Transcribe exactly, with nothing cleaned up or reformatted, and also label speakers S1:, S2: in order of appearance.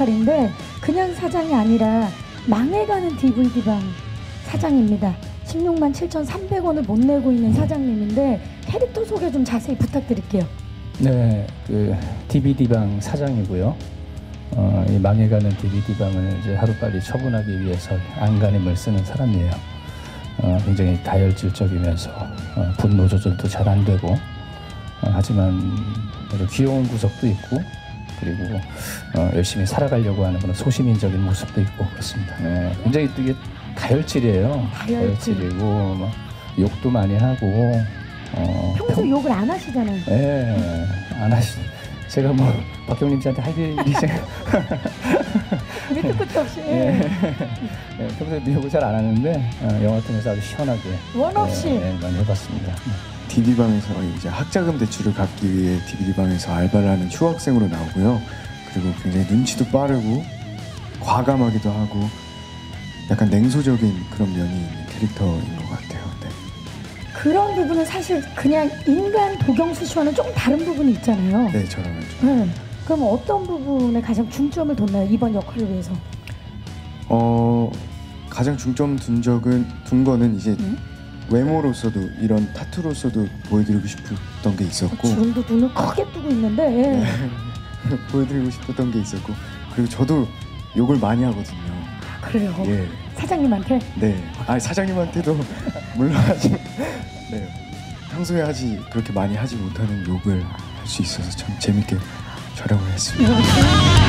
S1: 역할인데 그냥 사장이 아니라 망해가는 디브이디방 사장입니다. 십육만 칠천삼백 원을 못 내고 있는 사장님인데 캐릭터 소개 좀 자세히 부탁드릴게요.
S2: 네, 그 디비디방 사장이고요. 어, 이 망해가는 디비디방을 이제 하루빨리 처분하기 위해서 안간힘을 쓰는 사람이에요. 어, 굉장히 다혈질적이면서 어, 분노 조절도 잘 안 되고 어, 하지만 아주 귀여운 구석도 있고 그리고 어, 열심히 살아가려고 하는 그런 소시민적인 모습도 있고 그렇습니다. 네, 굉장히 되게 다혈질이에요.
S1: 다혈질.
S2: 다혈질이고 막 욕도 많이 하고 어,
S1: 평소
S2: 평...
S1: 욕을 안 하시잖아요.
S2: 네, 안 하시. 제가 뭐 박경림 씨한테 할 일이 생각.
S1: 밑도 끝도 없이.
S2: 네. 네, 평소에 욕을 잘 안 하는데 어, 영화 통해서 아주 시원하게
S1: 원 없이
S2: 네, 네, 많이 해봤습니다.
S3: 디비방에서 이제 학자금 대출을 갚기 위해 디비디방에서 알바를 하는 휴학생으로 나오고요. 그리고 굉장히 눈치도 빠르고 과감하기도 하고 약간 냉소적인 그런 면이 있는 캐릭터인 것 같아요. 네.
S1: 그런 부분은 사실 그냥 인간 도경수 씨와는 조금 다른 부분이 있잖아요.
S3: 네, 저랑은 좀.
S1: 네. 그럼 어떤 부분에 가장 중점을 뒀나요? 이번 역할을 위해서?
S3: 어 가장 중점 둔 적은 둔 거는 이제
S1: 음?
S3: 외모로서도 이런 타투로서도 보여드리고 싶었던 게 있었고
S1: 지금도 눈을 크게 뜨고 있는데 예.
S3: 네. 보여드리고 싶었던 게 있었고 그리고 저도 욕을 많이 하거든요.
S1: 아, 그래요?
S3: 예.
S1: 사장님한테?
S3: 네. 아 사장님한테도 물론 하지. 네. 평소에 하지 그렇게 많이 하지 못하는 욕을 할 수 있어서 참 재밌게 촬영을 했습니다.
S1: 이렇게.